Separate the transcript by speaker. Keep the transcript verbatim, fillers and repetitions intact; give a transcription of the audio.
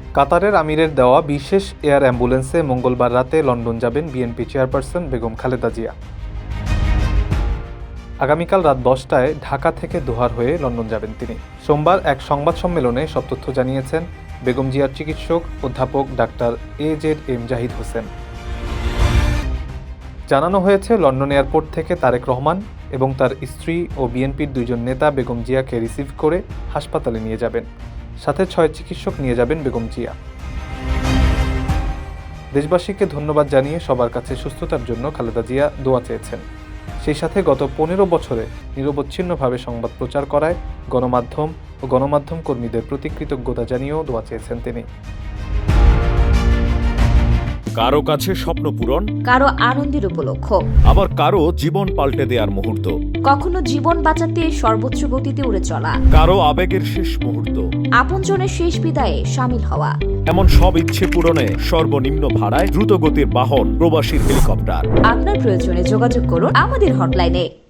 Speaker 1: কাতারের আমিরের দেওয়া বিশেষ এয়ার অ্যাম্বুলেন্সে মঙ্গলবার রাতে লন্ডন যাবেন বিএনপি চেয়ারপারসন বেগম খালেদা জিয়া। আগামীকাল রাত দশটায় ঢাকা থেকে দোহার হয়ে লন্ডন যাবেন তিনি। সোমবার এক সংবাদ সম্মেলনে সব তথ্য জানিয়েছেন বেগম জিয়ার চিকিৎসক অধ্যাপক doctor A Z M Zahid Hossain. জানানো হয়েছে, লন্ডন এয়ারপোর্ট থেকে তারেক রহমান এবং তার স্ত্রী ও বিএনপির দুইজন নেতা বেগম জিয়াকে রিসিভ করে হাসপাতালে নিয়ে যাবেন। সাথে ছয় চিকিৎসক নিয়ে যাবেন বেগম জিয়া। দেশবাসীকে ধন্যবাদ জানিয়ে সবার কাছে সুস্থতার জন্য খালেদা জিয়া দোয়া চেয়েছেন। সেই সাথে গত পনেরো বছরে নিরবচ্ছিন্নভাবে সংবাদ প্রচার করায় গণমাধ্যম ও গণমাধ্যম কর্মীদের প্রতি কৃতজ্ঞতা জানিয়েও দোয়া চেয়েছেন তিনি।
Speaker 2: কারো কাছে স্বপ্ন পূরণ,
Speaker 3: কারো আনন্দের উপলক্ষ,
Speaker 2: আবার কারো জীবন পাল্টে দেওয়ার মুহূর্ত,
Speaker 3: কখনো জীবন বাঁচাতে সর্বোচ্চ গতিতে উড়ে চলা,
Speaker 2: কারো আবেগের শেষ মুহূর্ত,
Speaker 3: আপনজনের শেষ বিদায়ে শামিল হওয়া,
Speaker 2: এমন সব ইচ্ছে পূরণে সর্বনিম্ন ভাড়ায় দ্রুতগতির বাহন প্রবাসীর হেলিকপ্টার।
Speaker 3: আপনার প্রয়োজনে যোগাযোগ করুন আমাদের হটলাইনে।